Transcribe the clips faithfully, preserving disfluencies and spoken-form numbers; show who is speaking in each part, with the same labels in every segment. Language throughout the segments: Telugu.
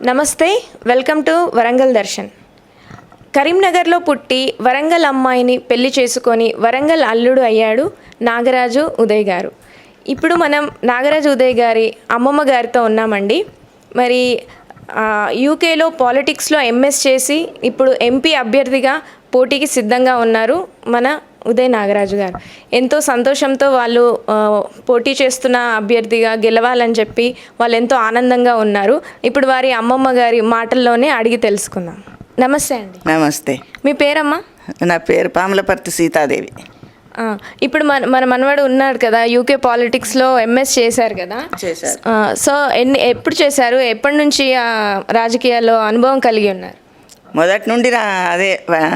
Speaker 1: నమస్తే, వెల్కమ్ టు వరంగల్ దర్శన్. కరీంనగర్లో పుట్టి వరంగల్ అమ్మాయిని పెళ్లి చేసుకొని వరంగల్ అల్లుడు అయ్యాడు నాగరాజు ఉదయ్ గారు. ఇప్పుడు మనం నాగరాజు ఉదయ్ గారి అమ్మమ్మ గారితో ఉన్నామండి. మరి యూకేలో పాలిటిక్స్లో ఎంఎస్ చేసి ఇప్పుడు ఎంపీ అభ్యర్థిగా పోటీకి సిద్ధంగా ఉన్నారు మన ఉదయ్ నాగరాజు గారు. ఎంతో సంతోషంతో వాళ్ళు పోటీ చేస్తున్న అభ్యర్థిగా గెలవాలని చెప్పి వాళ్ళు ఎంతో ఆనందంగా ఉన్నారు. ఇప్పుడు వారి అమ్మమ్మ గారి మాటల్లోనే అడిగి తెలుసుకుందాం. నమస్తే అండి.
Speaker 2: నమస్తే.
Speaker 1: మీ పేరమ్మా?
Speaker 2: నా పేరు పాములపర్తి సీతాదేవి.
Speaker 1: ఇప్పుడు మన మన మనవాడు ఉన్నాడు కదా, యూకే పాలిటిక్స్లో ఎంఎస్ చేశారు కదా.
Speaker 2: చేశారు.
Speaker 1: సో ఎన్ని ఎప్పుడు చేశారు? ఎప్పటి నుంచి రాజకీయాల్లో అనుభవం కలిగి ఉన్నారు?
Speaker 2: మొదటి నుండి రా అదే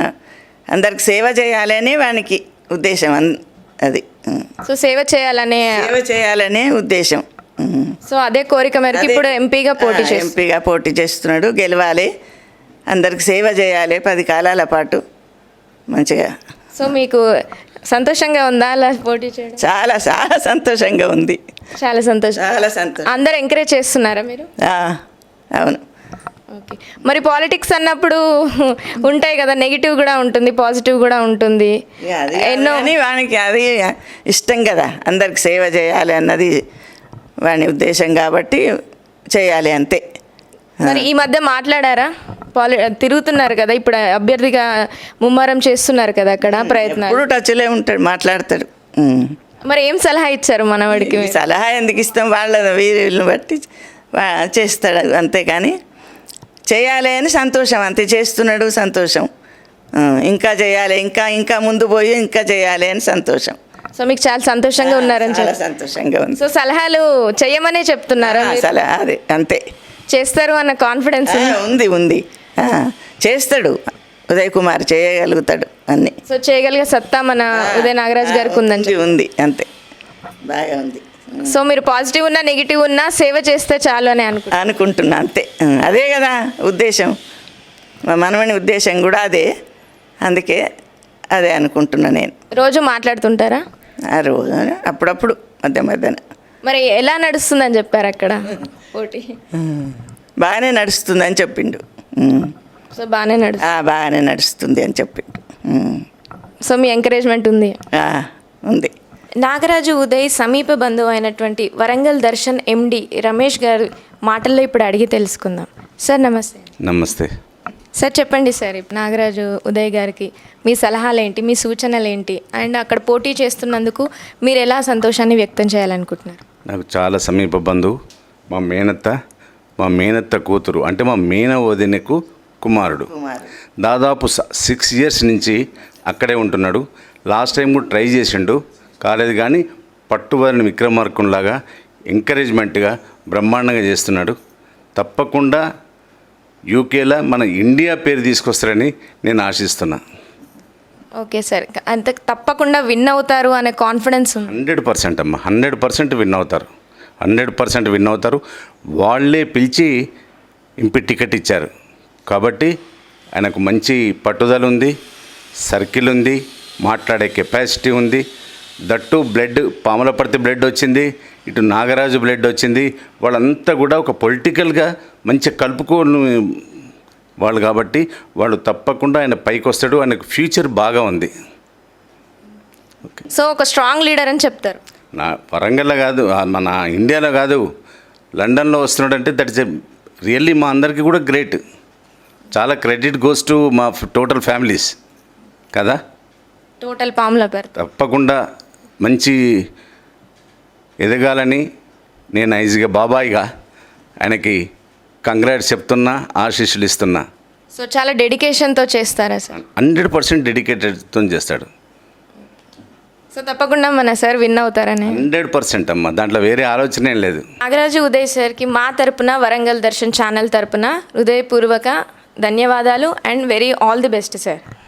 Speaker 2: అందరికి సేవ చేయాలనే వానికి ఉద్దేశం. అది
Speaker 1: సో సేవ చేయాలనే
Speaker 2: సేవ చేయాలనే ఉద్దేశం.
Speaker 1: సో అదే కోరిక మేరకు ఇప్పుడు ఎంపీగా పోటీ చేసి
Speaker 2: ఎంపీగా పోటీ చేస్తున్నాడు. గెలవాలి, అందరికి సేవ చేయాలి పది కాలాల పాటు మంచిగా.
Speaker 1: సో మీకు సంతోషంగా ఉందా అలా పోటీ చేయడం?
Speaker 2: చాలా చాలా సంతోషంగా ఉంది.
Speaker 1: చాలా సంతోషం.
Speaker 2: చాలా సంతోషం.
Speaker 1: అందరు ఎంకరేజ్ చేస్తున్నారా మీరు?
Speaker 2: అవును.
Speaker 1: ఓకే. మరి పాలిటిక్స్ అన్నప్పుడు ఉంటాయి కదా, నెగిటివ్ కూడా ఉంటుంది, పాజిటివ్ కూడా ఉంటుంది.
Speaker 2: ఎన్నో వానికి అది ఇష్టం కదా, అందరికి సేవ చేయాలి అన్నది వాని ఉద్దేశం కాబట్టి చేయాలి అంతే.
Speaker 1: మరి ఈ మధ్య మాట్లాడారా? పాలి తిరుగుతున్నారు కదా, ఇప్పుడు అభ్యర్థిగా ముమ్మరం చేస్తున్నారు కదా అక్కడ ప్రయత్నాలు.
Speaker 2: ఇప్పుడు టచ్లే ఉంటాడు, మాట్లాడతాడు.
Speaker 1: మరి ఏం సలహా ఇచ్చారు మనవాడికి?
Speaker 2: సలహా ఎందుకు ఇస్తాం, వాళ్ళ వీరిని బట్టి చేస్తాడు అంతేకాని చేయాలి అని సంతోషం అంతే. చేస్తున్నాడు, సంతోషం. ఇంకా చేయాలి, ఇంకా ఇంకా ముందు పోయి ఇంకా చేయాలి అని సంతోషం.
Speaker 1: సో మీకు చాలా సంతోషంగా ఉన్నారని?
Speaker 2: చాలా సంతోషంగా ఉంది.
Speaker 1: సో సలహాలు చేయమనే చెప్తున్నారా?
Speaker 2: సలహా అదే అంతే.
Speaker 1: చేస్తారు అన్న కాన్ఫిడెన్స్
Speaker 2: ఉంది ఉంది చేస్తాడు ఉదయ్ కుమార్, చేయగలుగుతాడు అన్ని.
Speaker 1: సో చేయగలిగే సత్తా మన ఉదయ్ నాగరాజు గారికి ఉందని
Speaker 2: ఉంది అంతే, బాగా ఉంది.
Speaker 1: సో మీరు పాజిటివ్ ఉన్నా నెగిటివ్ ఉన్నా సేవ చేస్తే చాలు అని అనుకు
Speaker 2: అనుకుంటున్నా అంతే. అదే కదా ఉద్దేశం, మా మనవని ఉద్దేశం కూడా అదే. అందుకే అదే అనుకుంటున్నా నేను.
Speaker 1: రోజు మాట్లాడుతుంటారా?
Speaker 2: ఆ రోజు అప్పుడప్పుడు మధ్య మధ్యన.
Speaker 1: మరి ఎలా నడుస్తుందని చెప్పారు అక్కడ పోటీ?
Speaker 2: బాగానే నడుస్తుంది అని చెప్పిండు.
Speaker 1: సో బాగానే నడు
Speaker 2: బాగానే నడుస్తుంది అని చెప్పిండు.
Speaker 1: సో మీ ఎంకరేజ్మెంట్ ఉంది?
Speaker 2: ఉంది.
Speaker 1: నాగరాజు ఉదయ్ సమీప బంధువు అయినటువంటి వరంగల్ దర్శన్ ఎండి రమేష్ గారు మాటల్లో ఇప్పుడు అడిగి తెలుసుకుందాం. సార్ నమస్తే.
Speaker 3: నమస్తే
Speaker 1: సార్. చెప్పండి సార్, ఇప్పుడు నాగరాజు ఉదయ్ గారికి మీ సలహాలు ఏంటి, మీ సూచనలు ఏంటి, అండ్ అక్కడ పోటీ చేస్తున్నందుకు మీరు ఎలా సంతోషాన్ని వ్యక్తం చేయాలనుకుంటున్నారు?
Speaker 3: నాకు చాలా సమీప బంధువు, మా మేనత్త మా మేనత్త కూతురు, అంటే మా మేన వదినకు కుమారుడు. దాదాపు సిక్స్ ఇయర్స్ నుంచి అక్కడే ఉంటున్నాడు. లాస్ట్ టైం కూడా ట్రై చేసిండు, కాలేదు. కానీ పట్టుబడిన విక్రమార్కునిలాగా ఎంకరేజ్మెంట్గా బ్రహ్మాండంగా చేస్తున్నాడు. తప్పకుండా యూకేలో మన ఇండియా పేరు తీసుకొస్తారని నేను ఆశిస్తున్నా.
Speaker 1: ఓకే సార్, అంత తప్పకుండా విన్ అవుతారు అనే కాన్ఫిడెన్స్ ఉంది?
Speaker 3: హండ్రెడ్ పర్సెంట్ అమ్మ, హండ్రెడ్ పర్సెంట్ విన్ అవుతారు. హండ్రెడ్ పర్సెంట్ విన్ అవుతారు. వాళ్ళే పిలిచి ఎంపీ టికెట్ ఇచ్చారు కాబట్టి ఆయనకు మంచి పట్టుదల ఉంది, సర్కిల్ ఉంది, మాట్లాడే కెపాసిటీ ఉంది. దట్టు బ్లడ్ పాములపర్తి బ్లడ్ వచ్చింది, ఇటు నాగరాజు బ్లడ్ వచ్చింది. వాళ్ళంతా కూడా ఒక పొలిటికల్గా మంచి కలుపుకోని వాళ్ళు కాబట్టి వాళ్ళు తప్పకుండా ఆయన పైకి వస్తాడు. ఆయనకు ఫ్యూచర్ బాగా ఉంది. ఓకే.
Speaker 1: సో ఒక స్ట్రాంగ్ లీడర్ అని చెప్తారు?
Speaker 3: నా వరంగల్లో కాదు, మన ఇండియాలో కాదు, లండన్లో వస్తున్నాడంటే దట్ ఇస్ రియల్లీ మా అందరికీ కూడా గ్రేట్. చాలా క్రెడిట్ గోస్ టు మా టోటల్ ఫ్యామిలీస్ కదా.
Speaker 1: టోటల్ పాములపర్తి
Speaker 3: తప్పకుండా మంచి ఎదగాలని నేను ఐజ్గా బాబాయిగా ఆయనకి కంగ్రాట్స్ చెప్తున్నా, ఆశీస్సులు ఇస్తున్నా.
Speaker 1: సో చాలా డెడికేషన్తో చేస్తారా సార్?
Speaker 3: హండ్రెడ్ పర్సెంట్ డెడికేటెడ్తో చేస్తాడు.
Speaker 1: సో తప్పకుండా మన సార్ విన్ అవుతారని?
Speaker 3: హండ్రెడ్ పర్సెంట్ అమ్మ, దాంట్లో వేరే ఆలోచన ఏం లేదు.
Speaker 1: నాగరాజు ఉదయ్ సార్కి మా తరపున, వరంగల్ దర్శన్ ఛానల్ తరపున హృదయపూర్వక ధన్యవాదాలు and very all the best sir.